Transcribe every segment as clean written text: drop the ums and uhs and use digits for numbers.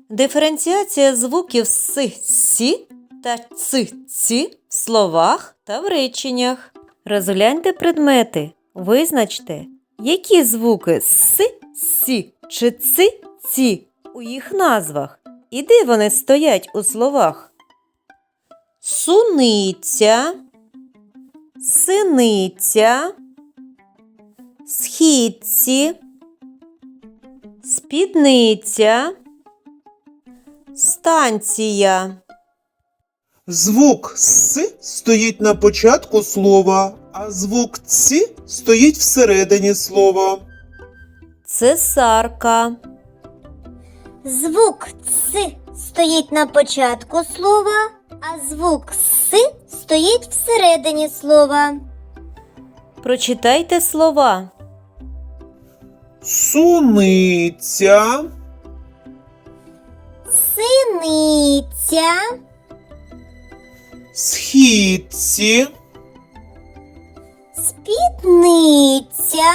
Диференціація звуків с, сі та ц, ці в словах та в реченнях. Розгляньте предмети. Визначте, які звуки с, сі чи ци, ці у їх назвах і де вони стоять у словах. Суниця, синиця, східці, спідниця, станція. Звук «с» стоїть на початку слова, а звук «ц» стоїть всередині слова. Цесарка. Звук «ц» стоїть на початку слова, а звук «с» стоїть всередині слова. Прочитайте слова. Суниця, Синиця, східці, спідниця,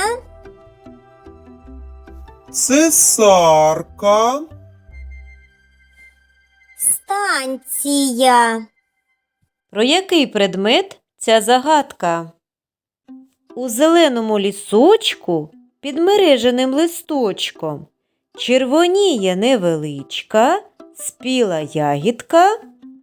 цесарка, станція. Про який предмет ця загадка? У зеленому лісочку під мереженим листочком червоніє невеличка, спіла ягідка.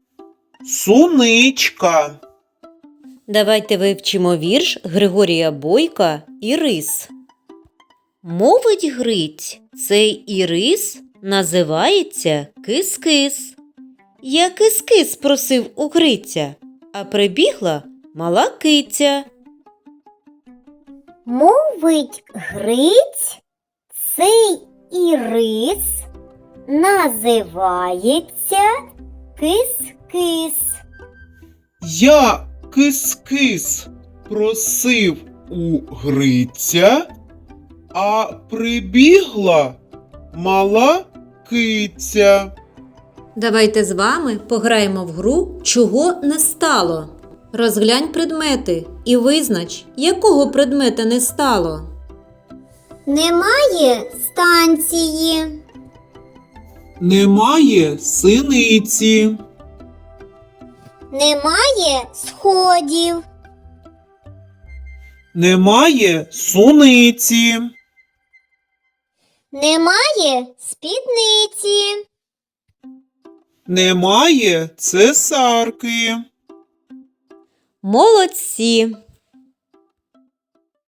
суничка. Давайте вивчимо вірш Григорія Бойка «Ірис». Мовить Гриць, цей ірис називається кис-кис. Я кис-кис просив у Гриця, а прибігла мала киця. Мовить Гриць, цей ірис називається кис-кис. Я кис-кис просив у Гриця, а прибігла мала киця. Давайте з вами пограємо в гру «Чого не стало?». Розглянь предмети і визнач, якого предмета не стало. Немає станції. Немає синиці. Немає сходів. Немає суниці. Немає спідниці. Немає цесарки. Молодці!